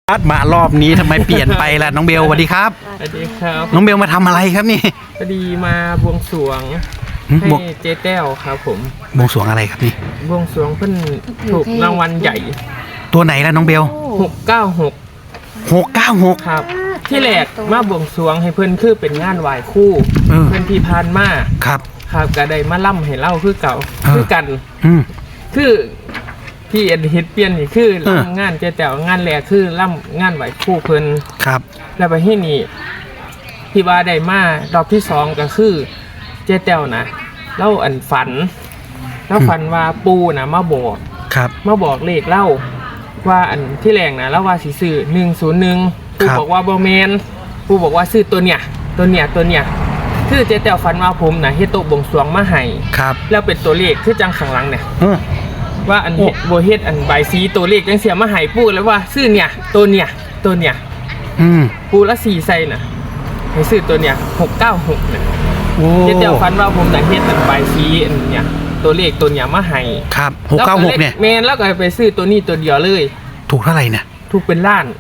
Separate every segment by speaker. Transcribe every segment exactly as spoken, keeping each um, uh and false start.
Speaker 1: มารอบนี้ทำไมเปลี่ยนไปล่ะน้องเบลสวัสดีครับ
Speaker 2: สวัสดีครับ
Speaker 1: น้องเบลมาทำอะไรครับนี่
Speaker 2: พอดีมาบวงสรวงให้เจ๊แต้วครับผม
Speaker 1: บวงสรวงอะไรครับนี่
Speaker 2: บวงสรวงเพิ่นถูกรางวัลใหญ่
Speaker 1: ตัวไหนล่ะน้องเบล
Speaker 2: หกเก้าหก
Speaker 1: หกเก้าหก
Speaker 2: ครับที่แรกมาบวงสรวงให้เพิ่นคือเป็นงานไหว้ครูเพิ่นที่ผ่านมา
Speaker 1: ครับ
Speaker 2: ครับก็ได้มาล่ำให้เล่าคือเก่าคือกันคือที่เอ็นเฮ็ดเปลี่ยนนี่คือล่ำงานเจ๊แต้วงานแรกคือล่ำงานไหว้ครูเพิ่น
Speaker 1: ครับ
Speaker 2: แล้วไปที่นี่ที่ว่าได้มารอบที่สองก็คือเจ๊แต้วนะเล่าอันฝันแล้วฝันว่าปูนะมาบอก
Speaker 1: ครับ
Speaker 2: มาบอกเลขเล่าว่าอันที่แรงนะแล้วว่าสิซื้อหนึ่งศูนย์หนึ่งปูบอกว่าบอแมนปูบอกว่าซื้อตัวเนี้ยตัวเนี้ยตัวเนี้ยคือเจ๊แต้วฝันว่าผมนะเฮ็ดโต๊ะบวงสรวงมาให้
Speaker 1: ครับ
Speaker 2: แล้วเป็นตัวเลขคือจังข้างหลังเนี่ยว่าอันโบเฮ็ดอันใบสีตัวเลขจังเสียมาให้ปูแล้วว่าซื้อเนี่ยตัวเนี้ยตัวเนี้ยปูละสี่ไซน่ะให้ซื้อตัวเนี้ยหกเก้าหกเนี่ยเจ๊แต้วฝันว่าผมจะเฮ็ดอันใบสีอันเนี้ยตัวเลขตัวเนี้ยมาให้
Speaker 1: ครับหกเก้าหกเนี่ย
Speaker 2: แมนแล้วก็ไปซื้อตัวนี้ตัวเดียวเลย
Speaker 1: ถูกเท่าไหร่เนี่ย
Speaker 2: ถูกเป็นล้าน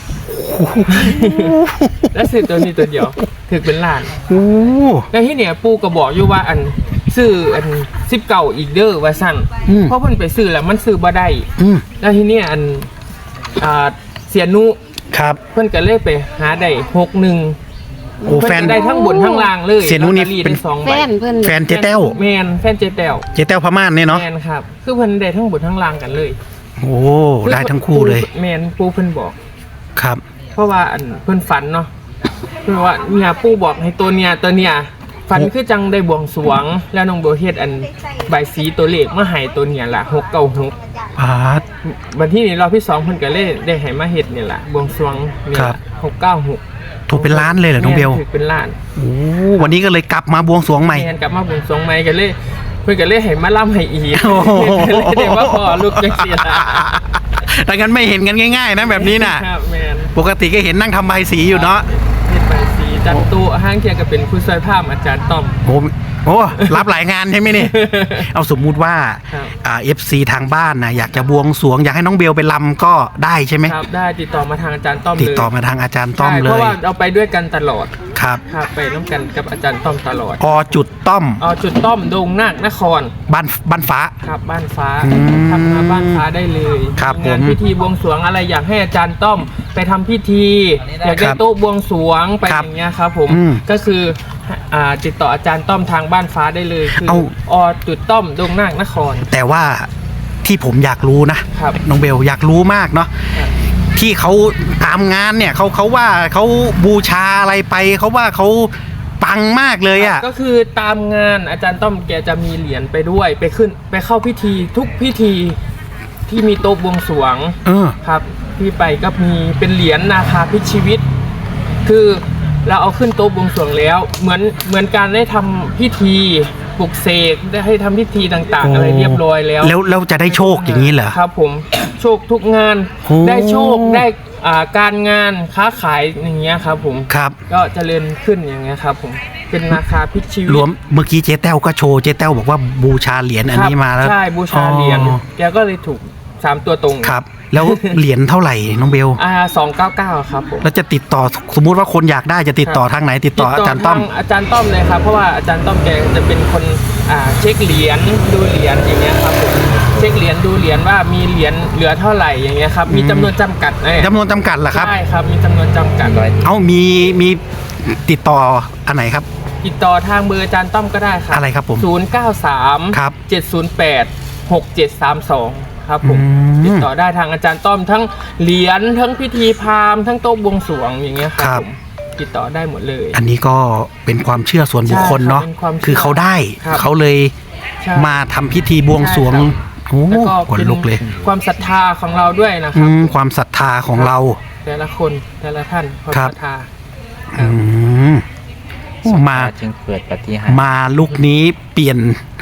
Speaker 2: แล้วซื้อตัวนี้ตัวเดียวถูกเป็นล้านแล้วที่เนี่ยปูก็บอกอยู่ว่าอันซื้ออันสิบเก่าอีกเด้อว่าสั่นเพราะเพิ่นไปซื้อแล้วมันซื้อบ่ได้แล้วที่เนี่ยอันอ่าเสียนุ
Speaker 1: ครับ
Speaker 2: เพิ่นก็เลยไปหาได้หกหนึ่ง
Speaker 1: โอ้แฟน
Speaker 2: ได้ทั้งบนทั้งล่างเลย
Speaker 1: เสียนุนี่เป็น
Speaker 2: แฟน
Speaker 1: เพิ่นแฟนเจ๊แต้ว
Speaker 2: แมนแฟนเจ๊แต้ว
Speaker 1: เจ๊แต้วพม่านเนี่ยเนาะ
Speaker 2: แมนครับคือเพิ่นได้ทั้งบนทั้งล่างกันเลย
Speaker 1: โอ้ได้ทั้งคู่เลย
Speaker 2: แมนปูเพิ่นบอก
Speaker 1: ครับ
Speaker 2: เพราะว่าอันเพิ่นฝันเนาะเพิ่นว่าเนี่ยปูบอกให้ตัวเนี่ยตัวเนี่ยฝันคือจังได้บวงสรวงแล้วน้องโบเฮ็ดอันใบสีตัวเลขมาให้ตัวเนี่ยล่ะหกเก้าหก
Speaker 1: ปาด
Speaker 2: วันที่นี้รอบที่สองเพิ่นก็เลยได้ให้มาเฮ็ดเนี่ยล่ะบวงสรวงเนี่ยหกเก้าหก
Speaker 1: ถูกเป็นล้านเลยเหรอน้องเบล
Speaker 2: ถูกเป็นล้าน
Speaker 1: โอ้วันนี้ก็เลยกลับมาบวงสรวงใหม่
Speaker 2: กลับมาบวงสรวงใหม่กันเลยเพิ่นก็เลยให้มาล่ำให้อีกเลยได้ว่าพอลูกจังซี่ล่ะ
Speaker 1: แต่งั้นไม่เห็นกันง่ายๆนะแบบนี้น่ะ
Speaker 2: ครับแม่น
Speaker 1: ปกติก็เห็นนั่งทำใบสีอยู่เนาะ
Speaker 2: เฮ็ดใบสีจันตุห้างเคียงก็เป็นผู้ช่วยภาพอาจารย์ต้อม
Speaker 1: โอ้โอ้รับหลายงานใช่ไหมนี่เอาสมมุติว่าอ่า เอฟ ซี ทางบ้านนะอยากจะบวงสรวงอยากให้น้องเบลไปลำก็ได้ใช่ไหม
Speaker 2: ครับได้ติดต่อมาทางอาจารย์ต้อมเลย
Speaker 1: ติดต่อมาทางอาจารย์ต้อมเลย
Speaker 2: เพราะว่าเราไปด้วยกันตลอด
Speaker 1: ครับ
Speaker 2: ครับไปน้ำกันกับอาจารย์ต้อมตลอด
Speaker 1: อจุดต้อม
Speaker 2: อจุดต้อมดงนาคนคร
Speaker 1: บ้านบ้านฟ้า
Speaker 2: ครับบ้านฟ้าทำมาบ้านฟ้าได้เลย
Speaker 1: ครับ
Speaker 2: งานพิธีบวงสรวงอะไรอยากให้อาจารย์ต้อมไปทำพิธีอยากได้โต๊ะบวงสรวงไปอย่างเงี้ยครับผมก็คือติดต่ออาจารย์ต้อมทางบ้านฟ้าได้เลยคืออจุดต้อมดงนาคนคร
Speaker 1: แต่ว่าที่ผมอยากรู้นะน้องเบลอยากรู้มากเนาะที่เขาตามงานเนี่ยเขาเขาว่าเขาบูชาอะไรไปเขาว่าเขาปังมากเลยอ่ะ
Speaker 2: ก็คือตามงานอาจารย์ต้อมแกจะมีเหรียญไปด้วยไปขึ้นไปเข้าพิธีทุกพิธีที่มีโต๊ะบวงสรวงครับที่ไปก็มีเป็นเหรียญนาคาพิชีวิตคือเราเอาขึ้นโต๊ะบวงสรวงแล้วเหมือนเหมือนการได้ทำพิธีปลุกเสกได้ให้ทำพิธีต่างๆอะไรเรียบร้อยแล้ว
Speaker 1: แล้วเราจะได้โชคอย่างนี้เหรอ
Speaker 2: ครับผมโชคทุกงานได้โชคได้การงานค้าขายอย่างเงี้ยครับผม
Speaker 1: ครับ
Speaker 2: ก็เจริญขึ้นอย่างเงี้ยครับผมเป็นนาคาพิชีวิต
Speaker 1: รวมเมื่อกี้เจ๊แต้วก็โชว์เจ๊แต้วบอกว่าบูชาเหรียญอันนี้มาแล้ว
Speaker 2: ใช่บูชาเหรียญแกก็เลยถูกสามตัวตรง
Speaker 1: ครับแล้วเหรียญเท่าไหร่น้องเบล
Speaker 2: อ่าสองเก้าเก้าครับผม
Speaker 1: แล้วจะติดต่อสมมุติว่าคนอยากได้จะติดต่อทางไหนติดต่ออาจารย์ต้อม
Speaker 2: อาจารย์ต้อมเลยครับเพราะว่าอาจารย์ต้อมแกจะเป็นคนอ่าเช็คเหรียญดูเหรียญอย่างเงี้ยครับผมเช็คเหรียญดูเหรียญว่ามีเหรียญเหลือเท่าไหร่อย่างเงี้ยครับมีจำนวนจำกัด
Speaker 1: จำนวนจำกัดเหรอครับ
Speaker 2: ใช่ครับมีจำนวนจำกัด
Speaker 1: เอ้ามีมีติดต่ออันไหนครับ
Speaker 2: ติดต่อทางเบอร์อาจารย์ต้อมก็ได้ครับ
Speaker 1: อะไรครับผม
Speaker 2: ศูนย์เก้าสามครับเจ็ดศูนย์แปดหกเจ็ดสามสองครับผมติดต่อได้ทางอาจารย์ต้อมทั้งเหรียญทั้งพิธีพราหมณ์ทั้งโต๊ะบวงสรวงอย่างเงี้ยครับผมติดต่อได้หมดเลย
Speaker 1: อันนี้ก็เป็นความเชื่อส่วนบุคคลเนาะคือเขาได้เขาเลยมาทำพิธีบวงสรวงโอ้ขนลุกเลย
Speaker 2: ความศรัทธาของเราด้วยนะครับ
Speaker 1: ความศรัทธาของเรา
Speaker 2: แต่ละคนแต่ละท่านความศรัทธา
Speaker 1: มา
Speaker 3: จึงเกิดปฏิหารย์
Speaker 1: มาลุกนี้เปลี่ยน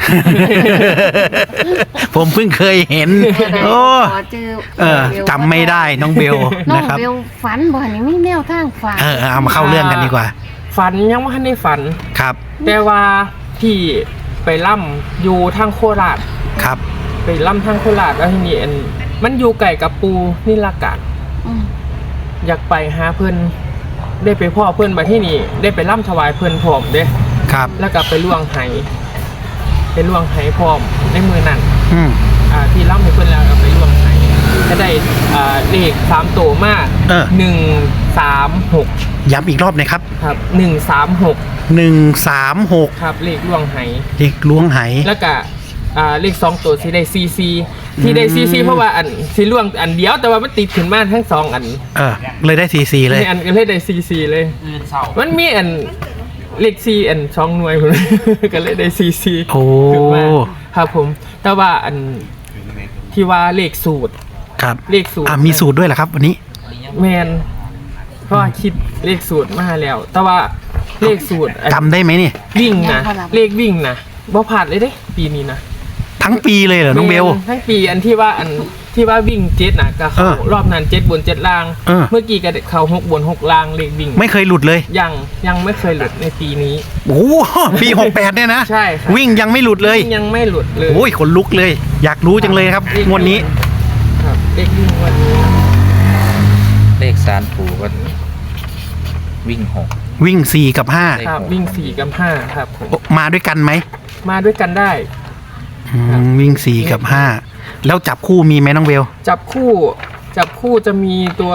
Speaker 1: ผมเพิ่งเคยเห็นโอ้เออจำไม่ได้น้องเบลนะครับ
Speaker 4: น้องเบลฝันบ่นี่ไม่แนวทางฝัน
Speaker 1: เออเอามาเข้าเรื่องกันดีกว่า
Speaker 2: ฝันยังไม่ทันได้ฝัน
Speaker 1: ครับ
Speaker 2: แต่ว่าพี่ไปล่ำอยู่ทางโคราช
Speaker 1: ครับ
Speaker 2: ไปล่ำทางโคราชแล้วทีนี้มันอยู่ไก่กับปูนี่ละกันอยากไปหาเพิ่นได้ไปพ่อเพิ่นมาที่นี่ได้ไปร่ำถวายเพิ่นพร้อมเด้
Speaker 1: ครับ
Speaker 2: แล้วก็ไปล่วงไหไปล่วงไหพร้อมในมือนั่น
Speaker 1: อืม
Speaker 2: อ่าที่ร่ำให้เพิ่นแล้วก็ไปล่วงไหก็ได้อ่าเลขสามตัวมาก
Speaker 1: เออ
Speaker 2: หนึ่งสามหก
Speaker 1: ย้ำอีกรอบหนะครับ
Speaker 2: ครับหนึ่งสามหก
Speaker 1: หนึ่งสามหก
Speaker 2: ครับเลขล่วงไห
Speaker 1: เด็กล้วงไห
Speaker 2: แล้วก็อ่าเลขสองตัวที่ได้ซีซีที่ได้ซีซีเพราะว่าอันสีล่วงอันเดียวแต่ว่ามันติดขึ้นมาทั้งสองอัน
Speaker 1: เออ เลยได้ซีซีเลย
Speaker 2: มีอันก็เลยได้ซีซีเลยมันมีอันเลขซีอันสองหน่วยผม ก็เลยได้ซีซี
Speaker 1: โอ้
Speaker 2: ขึ้นมาครับผมแต่ว่าอันที่ว่าเลขสูตร
Speaker 1: ครับ
Speaker 2: เลขสูตร
Speaker 1: อ่ะมีสูตรด้วยเหรอครับ วันนี้
Speaker 2: แมนเพราะว่าคิดเลขสูตรมาแล้ว แต่ว่าเลขสูตรอัน
Speaker 1: จำได้ไหมเนี่ย
Speaker 2: วิ่งนะเลขวิ่งนะบ่ผ่านเลยเด้ปีนี้นะ
Speaker 1: ทั้งปีเลยเหรอน้องเบล
Speaker 2: ทั้งปีอันที่ว่าอันที่ว่าวิ่งเจ็ดนะก็เขา
Speaker 1: เออ
Speaker 2: รอบนั้นเจ็ดบนเจ็ดล่าง
Speaker 1: เออ
Speaker 2: เมื่อกี้ก็เขาหกบนหกล่างเลขวิ่ง
Speaker 1: ไม่เคยหลุดเลย
Speaker 2: ยังยังไม่เคยหลุดในปีนี้
Speaker 1: โอ้โหปีหกแปดเนี่ยนะ
Speaker 2: ใช่ครับ
Speaker 1: วิ่งยังไม่หลุดเลย
Speaker 2: ยังไม่หลุดเลย
Speaker 1: โอ้ยขนลุกเลย อยากรู้จังเลยครับงวดนี้
Speaker 2: ครับเลขวิ่งวันนี้
Speaker 3: เลขสารผูก็วิ่งหก
Speaker 1: วิ่งสี่กับห้า
Speaker 3: เลข
Speaker 2: ครับวิ่งสี่กับห้าครับผม
Speaker 1: โอ้มาด้วยกันไหม
Speaker 2: มาด้วยกันได้
Speaker 1: อืมวิ่งสี่กับห้าแล้วจับคู่มีไหมน้องเบล
Speaker 2: จับคู่จับคู่จะมีตัว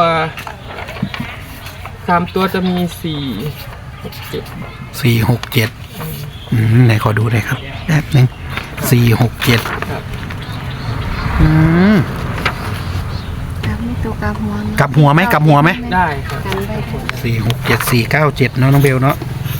Speaker 2: สามตัวจะมีสี่หกเจ็ด
Speaker 1: สี่หกเจ็ดอืมไหนขอดูหน่อยครับแป๊บนึงสี่หกเจ็ด
Speaker 2: ครับ
Speaker 1: อืม
Speaker 4: กลับไม่ตัวกลับหัว
Speaker 1: กลับหัวไหมกลับหัวไหม
Speaker 2: ได้ครับ
Speaker 4: กันได้ผล
Speaker 1: สี่หกเจ็ดสี่เก้าเจ็ดเนาะน้องเบลเนาะ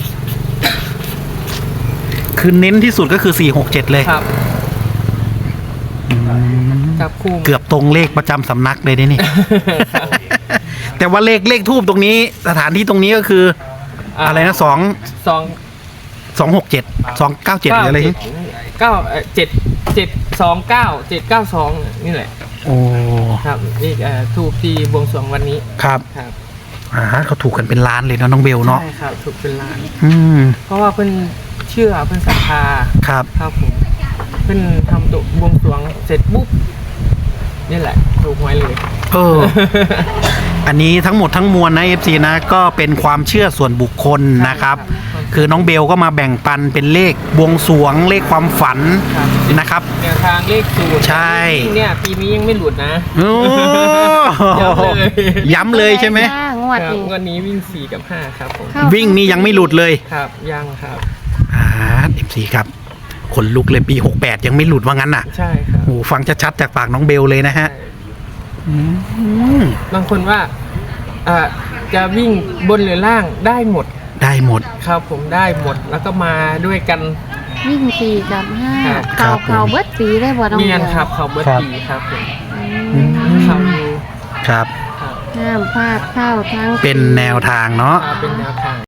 Speaker 1: คือเน้นที่สุดก็คือสี่หกเจ็ดเลย
Speaker 2: ครับ
Speaker 1: อืม
Speaker 2: จับคู่
Speaker 1: เกือบตรงเลขประจำสำนักเลยนี่นี่
Speaker 2: ครับ
Speaker 1: แต่ว่าเลขเลขทูบตรงนี้ สถานที่ตรงนี้ก็คือ อะไรนะสอง
Speaker 2: สอง
Speaker 1: สองหกเจ็ดสองเก้าเจ็ดหรืออะไร
Speaker 2: เก้าเอ่อเจ็ดเจ็ดสองเก้าเจ็ดเก้าสองนี่แหละ
Speaker 1: โอ้
Speaker 2: ครับนี่เอ่อถูกที่บวงสรวงวันนี้
Speaker 1: ครับ
Speaker 2: ครับ
Speaker 1: อ่าเขาถูกกันเป็นล้านเลยเนาะน้องเบลเนาะ
Speaker 2: ใช่ครับถูกเป็นล้าน
Speaker 1: อืม
Speaker 2: เพราะว่าเพิ่นเชื่อเพิ่นศรัทธา
Speaker 1: ครับ
Speaker 2: ครับผมเพิ่นทำตัวบวงสรวงเสร็จปุ๊บนี่แหละถูกหวยเลย
Speaker 1: เออ อันนี้ทั้งหมดทั้งมวลนะ เอฟ ซี นะก็เป็นความเชื่อส่วนบุคคลนะครับ คือน้องเบลก็มาแบ่งปันเป็นเลขบวงสรวงเลขความฝัน
Speaker 2: ครับ
Speaker 1: นะครับ
Speaker 2: แนวทางเลขสูตร
Speaker 1: ใช่
Speaker 2: เนี่ยปีนี้ยังไม่หลุดนะ
Speaker 1: โอ้
Speaker 2: ย้ำเลย
Speaker 1: ย้ำเลยใช่ไหม
Speaker 4: จ้างวด
Speaker 2: ครับ
Speaker 4: นี้
Speaker 2: วันนี้วิ่งสี่กับห้าครับผม
Speaker 4: เข้า
Speaker 1: วิ่งนี่ยังไม่หลุดเลย
Speaker 2: ครับยังครับ
Speaker 1: อ่า เอฟ ซี ครับขนลุกเลยปีหกแปดยังไม่หลุดว่างั้นน่ะ
Speaker 2: ใช่ครับ
Speaker 1: โอ้ฟังชัดๆจากปากน้องเบลเลยนะฮะ
Speaker 2: ใช่
Speaker 1: อืม
Speaker 2: บางคนว่าอ่าจะวิ่งบนหรือล่างได้หมด
Speaker 1: ได้หมด
Speaker 2: ครับผมได้หมดแล้วก็มาด้วยกัน
Speaker 4: วิ่งสี่กับห้า
Speaker 2: ครับ
Speaker 4: เข่า
Speaker 1: ครับผม
Speaker 4: เข่าเบิดปีได้บ่ต้อง
Speaker 2: เมียน
Speaker 4: ดีว
Speaker 2: ครับเขาเบิร์ตปีครับผม
Speaker 4: อืม
Speaker 2: เขาดู
Speaker 1: ครับ
Speaker 2: ครับ
Speaker 4: ห้ามพลาดเข้าทั้ง
Speaker 1: เป็นแนวทางเนาะ
Speaker 2: อ่าเป็นแนวทาง